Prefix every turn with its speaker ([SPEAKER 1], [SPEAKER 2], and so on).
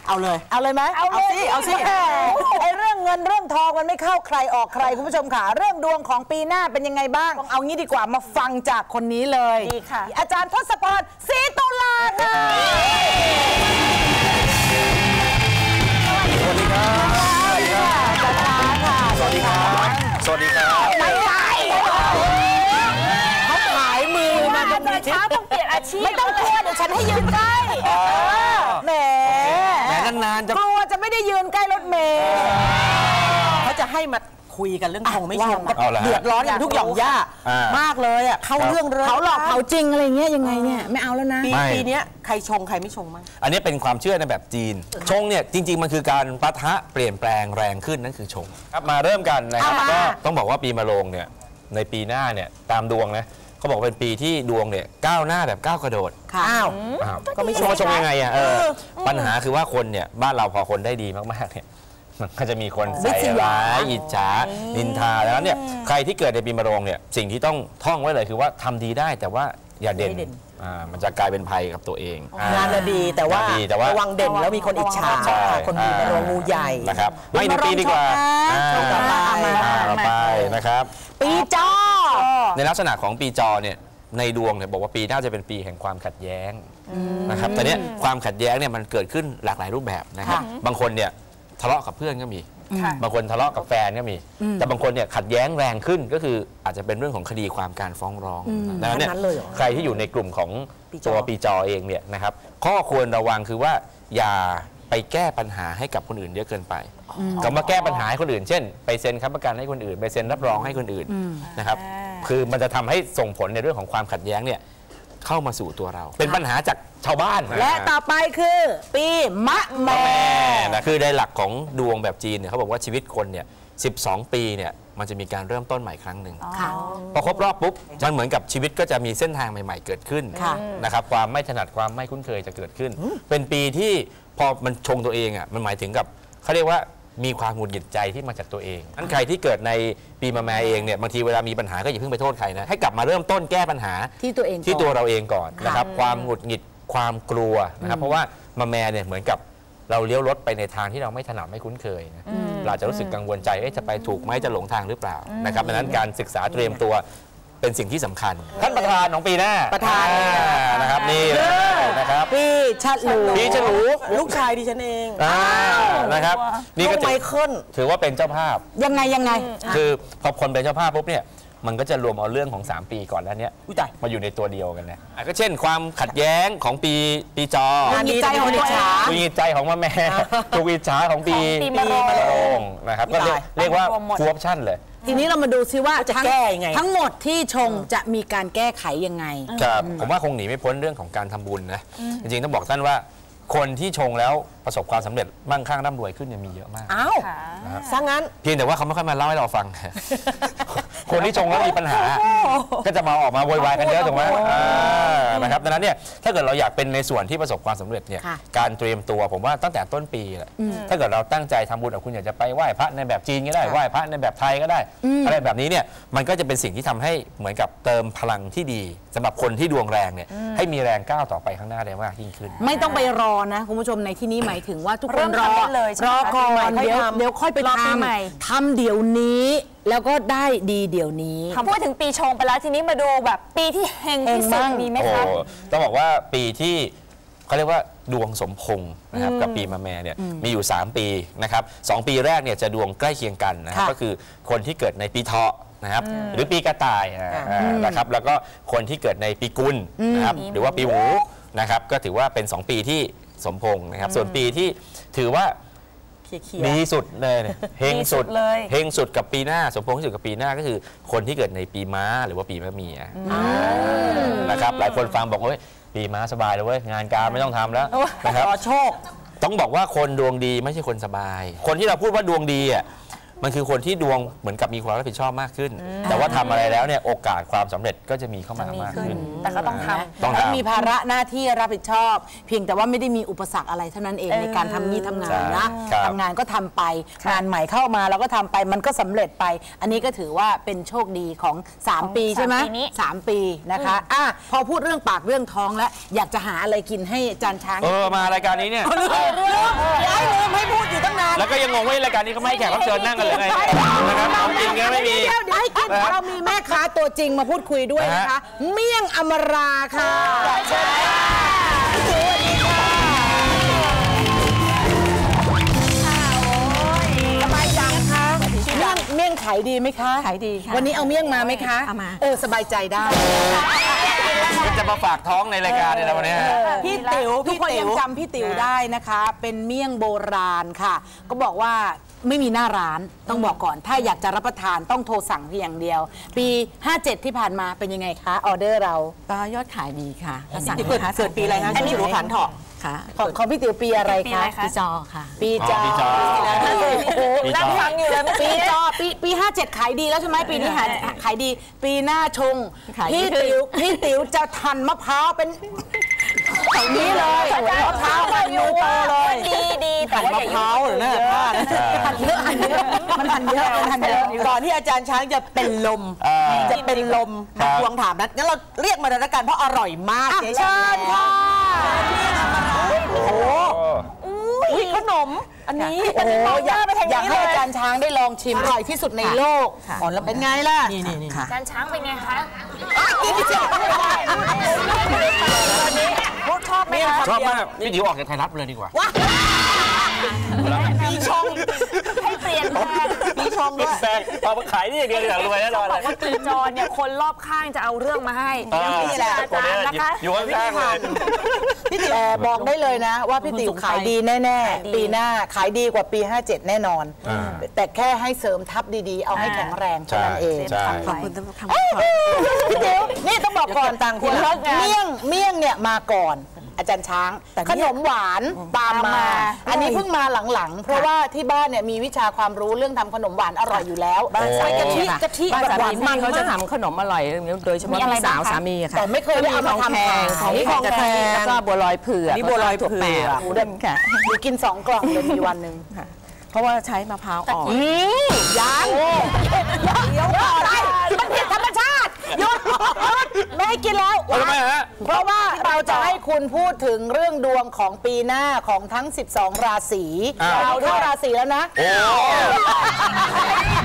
[SPEAKER 1] เอาเลยไหมเอาสิไอเรื่องเงินเรื่องทองมันไม่เข้าใครออกใครคุณผู้ชมค่ะเรื่องดวงของปีหน้าเป็นยังไงบ้างเอางี้ดีกว่ามาฟังจากคนนี้เลยดีค่ะอาจารย์ทศพร ศรีตุลาค่ะ
[SPEAKER 2] สวัสดีครับสวัสดีครับสวัสดีครับ
[SPEAKER 1] ไม่ใช่เขาขายมือมาจนมีช้าต้องเปลี่ยนอาชีพไม่ต้องกลัวเดี๋ยวฉันให้ยืนใกล้แหม
[SPEAKER 2] นานๆจะ
[SPEAKER 1] กลัวจะไม่ได้ยืนใกล้รถเมล์เขาจะให้มาคุยกันเรื่องชงไม่ชงเดือดร้อนกันทุกหย่อมย่ามากเลยอ่ะเขาเรื่องเขาหลอกเขาจริงอะไรเงี้ยยังไงเนี่ยไม่เอาแล้วนะปีนี้ใครชงใครไม่ชงมั้ง
[SPEAKER 2] อันนี้เป็นความเชื่อในแบบจีนชงเนี่ยจริงๆมันคือการปะทะเปลี่ยนแปลงแรงขึ้นนั่นคือชงครับมาเริ่มกันนะครับก็ต้องบอกว่าปีมะโรงเนี่ยในปีหน้าเนี่ยตามดวงนะเขาบอกเป็นปีที่ดวงเนี่ยก้าวหน้าแบบก้าวกระโดดก็ไม่ชงยังไงอ่ะปัญหาคือว่าคนเนี่ยบ้านเราพอคนได้ดีมากๆเนี่ยมันก็จะมีคนใส่ร้ายอิจฉานินทาแล้วเนี่ยใครที่เกิดในปีมะโรงเนี่ยสิ่งที่ต้องท่องไว้เลยคือว่าทำดีได้แต่ว่าอย่าเด่นมันจะกลายเป็นภัยกับตัวเอง
[SPEAKER 1] งานดีแต่ว่าระวังเด่นแล้วมีคนอิจฉาคนมีมะโรงงูใหญ่
[SPEAKER 2] นะครับไม่ในปีดีกว่าต่อไปนะครับ
[SPEAKER 1] ปีจอ
[SPEAKER 2] ในลักษณะของปีจอเนี่ยในดวงเนี่ยบอกว่าปีหน้าจะเป็นปีแห่งความขัดแย้งนะครับแต่เนี้ยความขัดแย้งเนี่ยมันเกิดขึ้นหลากหลายรูปแบบนะครับบางคนเนี่ยทะเลาะกับเพื่อนก็มีบางคนทะเลาะกับแฟนก็มีแต่บางคนเนี่ยขัดแย้งแรงขึ้นก็คืออาจจะเป็นเรื่องของคดีความการฟ้องร้องดังนั้นเนี่ยใครที่อยู่ในกลุ่มของตัวปีจอเองเนี่ยนะครับข้อควรระวังคือว่าอย่าไปแก้ปัญหาให้กับคนอื่นเยอะเกินไปก็มาแก้ปัญหาให้คนอื่นเช่นไปเซ็นค้ำประกันให้คนอื่นไปเซ็นรับรองให้คนอื่นนะครับคือมันจะทำให้ส่งผลในเรื่องของความขัดแย้งเนี่ยเข้ามาสู่ตัวเราเป็นปัญหาจากชาวบ้าน
[SPEAKER 1] และต่อไปคือปีมะแม่
[SPEAKER 2] นะคือในหลักของดวงแบบจีนเนี่ยเขาบอกว่าชีวิตคนเนี่ย12 ปีเนี่ยมันจะมีการเริ่มต้นใหม่ครั้งหนึ่งพอครบรอบปุ๊บมันเหมือนกับชีวิตก็จะมีเส้นทางใหม่ๆเกิดขึ้นนะครับความไม่ถนัดความไม่คุ้นเคยจะเกิดขึ้นเป็นปีที่พอมันชงตัวเองอ่ะมันหมายถึงกับเขาเรียกว่ามีความหงุดหงิดใจที่มาจากตัวเองอันใครที่เกิดในปีมะแม่เองเนี่ยบางทีเวลามีปัญหาก็อย่าเพิ่งไปโทษใครนะให้กลับมาเริ่มต้นแก้ปัญหา
[SPEAKER 1] ที่ตัวเอง
[SPEAKER 2] ที่ตัวเราเองก่อนนะครับความหงุดหงิดความกลัวนะครับเพราะว่ามะแม่เนี่ยเหมือนกับเราเลี้ยวรถไปในทางที่เราไม่ถนัดไม่คุ้นเคยนะเราจะรู้สึกกังวลใจจะไปถูกไหมจะหลงทางหรือเปล่านะครับดังนั้นการศึกษาเตรียมตัวเป็นสิ่งที่สำคัญท่านประธานของปีหน้า
[SPEAKER 1] ประธาน
[SPEAKER 2] นะครับนี่นะครับ
[SPEAKER 1] พี่ฉลูลูกชายดิฉันเอง
[SPEAKER 2] นะครับ
[SPEAKER 1] นี่ก็ไมเคิล
[SPEAKER 2] ถือว่าเป็นเจ้าภาพ
[SPEAKER 1] ยังไง
[SPEAKER 2] คือพอคนเป็นเจ้าภาพปุ๊บเนี่ยมันก็จะรวมเอาเรื่องของ3ปีก่อนแล้วเนี้ยมาอยู่ในตัวเดียวกันนะก็เช่นความขัดแย้งของปีจอ
[SPEAKER 1] มีใจของอิจฉา
[SPEAKER 2] มีใจของมะแม่ถูกอิจฉาของปีมะโรงนะครับก็เรียกว่าฟูออปชั่นเลย
[SPEAKER 1] ทีนี้เรามาดูซิว่าจะแก้ยังไงทั้งหมดที่ชงจะมีการแก้ไขยังไง
[SPEAKER 2] ครับผมว่าคงหนีไม่พ้นเรื่องของการทำบุญนะจริงๆต้องบอกท่านว่าคนที่ชงแล้วประสบความสำเร็จมั่งคั่งร่ำรวยขึ้นมีเยอะมาก
[SPEAKER 1] อ้าวซะงั้น
[SPEAKER 2] เพียงแต่ว่าเขาไม่ค่อยมาเล่าให้เราฟังคนที่ชงแล้วมีปัญหาก็จะมาออกมาโวยวายกันเยอะถูกไหมนะครับดังนั้นเนี่ยถ้าเกิดเราอยากเป็นในส่วนที่ประสบความสำเร็จเนี่ยการเตรียมตัวผมว่าตั้งแต่ต้นปีแหละถ้าเกิดเราตั้งใจทำบุญคุณอยากจะไปไหว้พระในแบบจีนก็ได้ไหว้พระในแบบไทยก็ได้อะไรแบบนี้เนี่ยมันก็จะเป็นสิ่งที่ทำให้เหมือนกับเติมพลังที่ดีสำหรับคนที่ดวงแรงเนี่ยให้มีแรงก้าวต่อไปข้างหน้าได้มากยิ่งขึ้น
[SPEAKER 1] ไม่ต้องไปรอนะคุณผู้ชมในที่นี้หมายถึงว่าทุกคนรอก่อนเดี๋ยวค่อยไปทำเดี๋ยวนี้แล้วก็ได้ดีเดี๋ยวนี้
[SPEAKER 3] พูดถึงปีชงไปแล้วทีนี้มาดูแบบปีที่เฮงที่สุดมีไหมคะ
[SPEAKER 2] ต้องบอกว่าปีที่เขาเรียกว่าดวงสมพงษ์นะครับกับปีมะแม่เนี่ยมีอยู่3ปีนะครับ2ปีแรกเนี่ยจะดวงใกล้เคียงกันนะครับก็คือคนที่เกิดในปีเถาะนะครับหรือปีกระต่ายนะครับแล้วก็คนที่เกิดในปีกุลนะครับหรือว่าปีหมูนะครับก็ถือว่าเป็น2ปีที่สมพงษ์นะครับส่วนปีที่ถือว่าดีสุดเลยเฮงสุดเฮงสุดกับปีหน้าสมพงษ์ที่สุดกับปีหน้าก็คือคนที่เกิดในปีม้าหรือว่าปีมะเมียนะครับหลายคนฟังบอกว่าปีม้าสบายเลยเว้ยงานการไม่ต้องทำแล้วนะครับ
[SPEAKER 1] โชค
[SPEAKER 2] ต้องบอกว่าคนดวงดีไม่ใช่คนสบายคนที่เราพูดว่าดวงดีอ่ะมันคือคนที่ดวงเหมือนกับมีความรับผิดชอบมากขึ้น แต่ว่าทำอะไรแล้วเนี่ยโอกาสความสำเร็จก็จะมีเข้ามามากขึ้น
[SPEAKER 3] แต่ก็ต้องท
[SPEAKER 2] ต้อง
[SPEAKER 1] แล้ว
[SPEAKER 2] ทำ
[SPEAKER 1] มีภาระหน้าที่รับผิดชอบ เพียงแต่ว่าไม่ได้มีอุปสรรคอะไรเท่านั้นเองในการทำนี่ทำงานนะครับ ทำงานก็ทำไปงานใหม่เข้ามาเราก็ทำไปมันก็สำเร็จไป อันนี้ก็ถือว่าเป็นโชคดีของ3 ปีใช่ไหม3 ปีนะคะพอพูดเรื่องปากเรื่องท้องแล้วอยากจะหาอะไรกินให้จานช้าง
[SPEAKER 2] มารายการนี้เนี่ย
[SPEAKER 1] ย้ายลืมให้พูดอยู่ตั้งนาน
[SPEAKER 2] แล้วก็ยังงงว่ารายการนี้เขาไม่ให้แขกรับเชิญนั่งกันเลยไงนะครับของจริงก็ไม่มี
[SPEAKER 1] เดี๋ยวให้กินเรามีแม่ค้าตัวจริงมาพูดคุยด้วยนะคะ เมี่ยงอมราค่ะสวัสดีค่ะสบายจังคะเมี่ยงขายดีไหมคะขายดีค่ะวันนี้เอาเมี่ยงมาไหมคะเอามาสบายใจได้
[SPEAKER 2] จะมาฝากท้องในรายการในวันนี้
[SPEAKER 1] พี่ติ๋วทุกคนยังจำพี่ติ๋วได้นะคะ เป็นเมี่ยงโบราณค่ะก็บอกว่าไม่มีหน้าร้านต้องบอกก่อนถ้าอยากจะรับประทานต้องโทรสั่งเพียงอย่างเดียวปี 57 ที่ผ่านมาเป็นยังไงคะออเดอร์เรา
[SPEAKER 4] ก็ยอดขายดีค่ะ
[SPEAKER 1] เกิดปีอะไรคะอันนี้หัวขันเถาะ
[SPEAKER 4] ค่ะ
[SPEAKER 1] ของพี่ติ๋วปีอะไรคะ
[SPEAKER 4] ปีจอค่ะ
[SPEAKER 1] ปีจอ
[SPEAKER 3] นั่งฟังอยู่เลย
[SPEAKER 1] ปีจอปี 57 ขายดีแล้วใช่ไหมปีนี้ขายดีปีหน้าชงพี่ติ๋วจะทันมะพร้าวเป็นแบบนี้เลยมะพร้าวไปมือโตเลย
[SPEAKER 3] ดี
[SPEAKER 1] แต่ว่ามะพร้าวหรือเนี่ยทันเยอะมันทันเยอะก่อนที่อาจารย์ช้างจะเป็นลมมาทวงถามนั้นงั้นเราเรียกมาเลยละกันเพราะอร่อยมากเชิญค่ะโอ้โหขนมอันนี้โอ้อยากให้อาจารย์ช้างได้ลองชิมอร่อยที่สุดในโลกอ๋อแล้วเป็นไงล่ะ
[SPEAKER 3] นี่อาจารย์ช้างเป็นไงคะ
[SPEAKER 1] กินที่สุด
[SPEAKER 3] ชอบไหมคะ
[SPEAKER 2] ชอบมากพี่ติ๋วออกจากไทยรัฐเลยดีกว่า
[SPEAKER 3] ปีชงให้เปลี่ยนแปลง
[SPEAKER 1] ปีชงด้วย
[SPEAKER 2] แปลงเอามาขายนี่อย่างเดียวอย่างรวยแน่นอน
[SPEAKER 3] บอกว่าปีจอเนี่ยคนรอบข้างจะเอาเรื่องมาให้
[SPEAKER 2] นี่แหละอาจารย์นะคะอยู่ข้างๆเลย
[SPEAKER 1] พี่ติ๋วบอกได้เลยนะว่าพี่ติ๋วขายดีแน่ๆปีหน้าขายดีกว่าปี 57 แน่นอนแต่แค่ให้เสริมทัพดีๆเอาให้แข็งแรงเท่านั้นเอง
[SPEAKER 4] ขอบคุณทุกคำ
[SPEAKER 1] พี่ติ๋วนี่ต้องบอกก่อนต่างคนเมี่ยงเนี่ยมาก่อนอาจารย์ช้างขนมหวานตามมาอันนี้เพิ่งมาหลังๆเพราะว่าที่บ้านเนี่ยมีวิชาความรู้เรื่องทำขนมหวานอร่อยอยู่แล้ว
[SPEAKER 4] ใส่
[SPEAKER 1] กะทิ
[SPEAKER 4] บ้านสามีเขาจะทำขนมอร่อยโดยเฉพาะพี่สาวสามีค่ะ
[SPEAKER 1] แต่ไม่เคยได้เอามาทำ
[SPEAKER 4] ของกระเทียมแล้วก็บัวลอยเผือก
[SPEAKER 1] นี่บัวลอยเผือก
[SPEAKER 4] ค่ะ
[SPEAKER 1] อยู่กิน2 กล่องเลยมีวันหนึ่ง
[SPEAKER 4] เพราะว่าใช้มะพร้าวอ่อน
[SPEAKER 1] ยังเดี๋ยวก่อนมันผิดธรรมชาติหยุดไม่ให้กินแล้ว
[SPEAKER 2] ทำไมฮะ
[SPEAKER 1] เพราะว่าเราจะให้คุณพูดถึงเรื่องดวงของปีหน้าของทั้ง12 ราศีเราเท่าราศีแล้วนะ